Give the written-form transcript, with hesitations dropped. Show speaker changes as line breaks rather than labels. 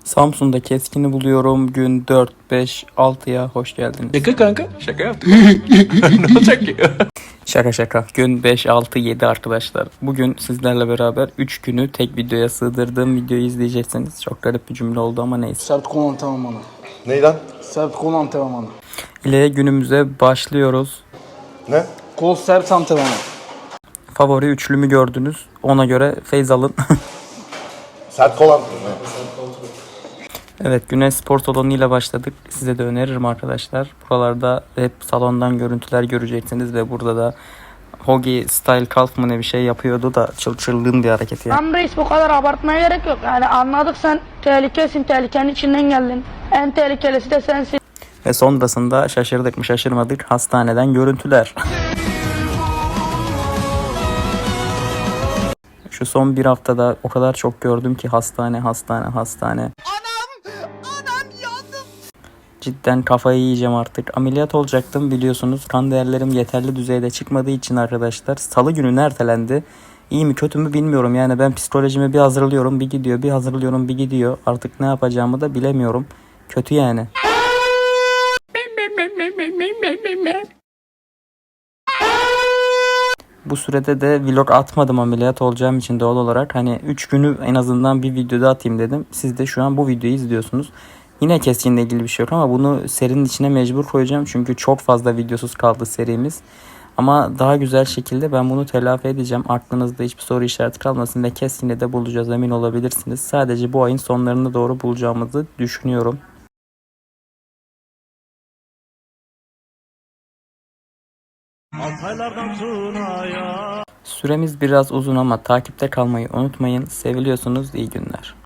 Samsun'da keskini buluyorum. Gün 4, 5, 6'ya hoş geldiniz.
Şaka kanka. Şaka yaptık. Ne olacak ki?
Şaka şaka. Gün 5, 6, 7 arkadaşlar. Bugün sizlerle beraber 3 günü tek videoya sığdırdığım videoyu izleyeceksiniz. Çok garip bir cümle oldu ama neyse.
Sert kol antrenmanı.
Ney lan?
Sert kol antrenmanı.
İle günümüze başlıyoruz.
Ne?
Kol sert antrenmanı.
Favori üçlümü gördünüz. Ona göre feyz alın.
Sert kolan.
Evet, Güneş Spor Salonu ile başladık. Size de öneririm arkadaşlar. Buralarda hep salondan görüntüler göreceksiniz ve burada da Hogi Style Calf mı ne bir şey yapıyordu da çılgın bir hareket yani.
Tamam reis, bu kadar abartmaya gerek yok. Yani anladık, sen tehlikesin, tehlikenin içinden geldin. En tehlikelisi de sensin.
Ve sonrasında şaşırdık mı şaşırmadık, hastaneden görüntüler. Şu son bir haftada o kadar çok gördüm ki hastane. Anam yandım. Cidden kafayı yiyeceğim artık. Ameliyat olacaktım biliyorsunuz. Kan değerlerim yeterli düzeyde çıkmadığı için arkadaşlar. Salı günü ertelendi. İyi mi kötü mü bilmiyorum. Yani ben psikolojimi bir hazırlıyorum bir gidiyor. Bir hazırlıyorum bir gidiyor. Artık ne yapacağımı da bilemiyorum. Kötü yani. Bu sürede de vlog atmadım ameliyat olacağım için doğal olarak. Hani 3 günü en azından bir videoda atayım dedim. Siz de şu an bu videoyu izliyorsunuz. Yine keskinle ilgili bir şey yok ama bunu serinin içine mecbur koyacağım. Çünkü çok fazla videosuz kaldı serimiz. Ama daha güzel şekilde ben bunu telafi edeceğim. Aklınızda hiçbir soru işareti kalmasın ve keskinle de bulacağız, emin olabilirsiniz. Sadece bu ayın sonlarına doğru bulacağımızı düşünüyorum. Süremiz biraz uzun ama takipte kalmayı unutmayın. Seviliyorsunuz. İyi günler.